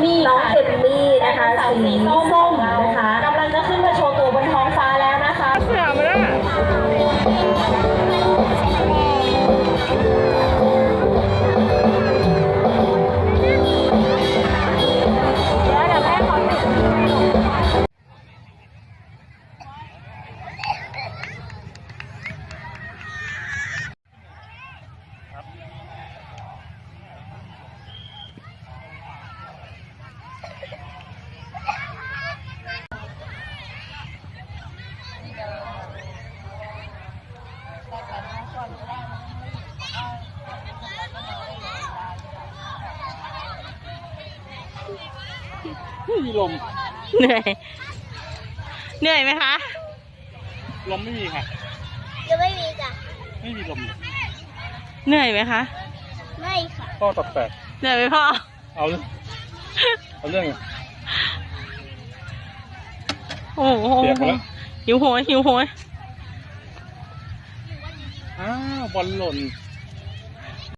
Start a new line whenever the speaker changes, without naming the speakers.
มี่น้องเอมมี่นะคะสีส้มนะคะกำลังจะขึ้นมาโชว์ตัวบนท้องฟ้าแล้วนะคะ
เสือมาแล้วไม่มีลม
เหนื่อยเหนื่อยไหมคะ
ลมไม่มีค่ะ
ยังไม่มีจ้ะ
ไม่มีลมเลย
เหนื่อยไหมคะ
ไม่ค่ะ
พ่อตัดแปด
เหนื่อยไหมพ่อ
เอาเรื่อง
โอ้โห
เปียกแล้ว
หิวโหย
อ้าวบอลหล่น